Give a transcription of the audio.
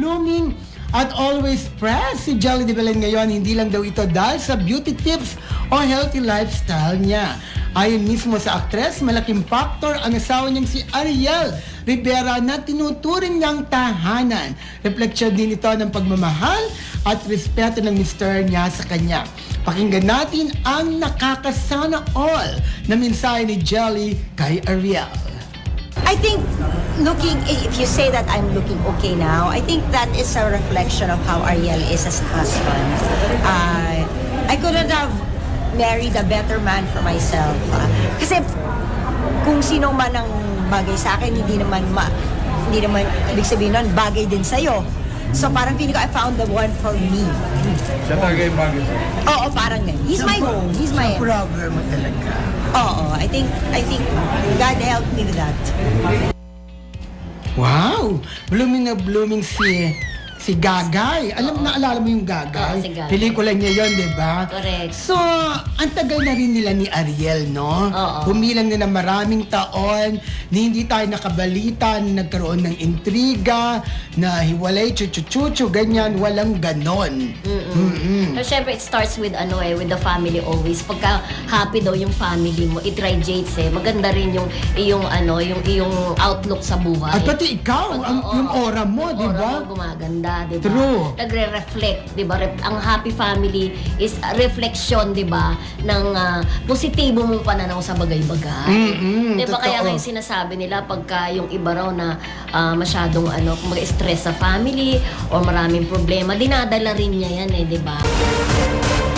blooming at always fresh si Jelly de Belen ngayon. Hindi lang daw ito dahil sa beauty tips o healthy lifestyle niya. Ayon mismo sa aktres, malaking factor ang asawa niyang si Ariel Rivera na tinuturing niyang tahanan. Refleksyon din ito ng pagmamahal at respeto ng mister niya sa kanya. Pakinggan natin ang nakakasana all na mensahe ni Jelly kay Ariel. I think if you say that I'm looking okay now, I think that is a reflection of how Ariel is as a husband. I couldn't have married a better man for myself. Kasi kung sino man ang bagay sa akin, hindi naman ibig sabihin nun, bagay din sa'yo. So parang feeling ko I found the one for me. Siya talaga yung bagay sa'yo. Oo, parang ganyan. He's my home. He's my... Problem mo talaga. Oo, I think God helped me with that. Wow! Blooming na blooming si Gagay. Naalala mo yung Gagay? Oo, si Gagay. Pelikula niya yon, di ba? Correct. So, ang tagal na rin nila ni Ariel, no? Oo. Humilang na ng maraming taon, na hindi tayo nakabalita, na nagkaroon ng intriga, na hiwalay, chuchu-chuchu, ganyan, walang ganon. So, syempre, it starts with with the family always. Pagka happy daw yung family mo, it radiates maganda rin yung iyong outlook sa buhay. At pati ikaw, yung aura mo, di ba? Aura mo gumaganda, di ba? True. Nagre-reflect, di ba? Ang happy family is a reflection, di ba? Ng positibo mong pananaw sa bagay-bagay. Di ba? Kaya totoo. ngayon sinasabi nila pagka yung iba raw na masyadong stress sa family or maraming problema, dinadala rin niya yan di ba?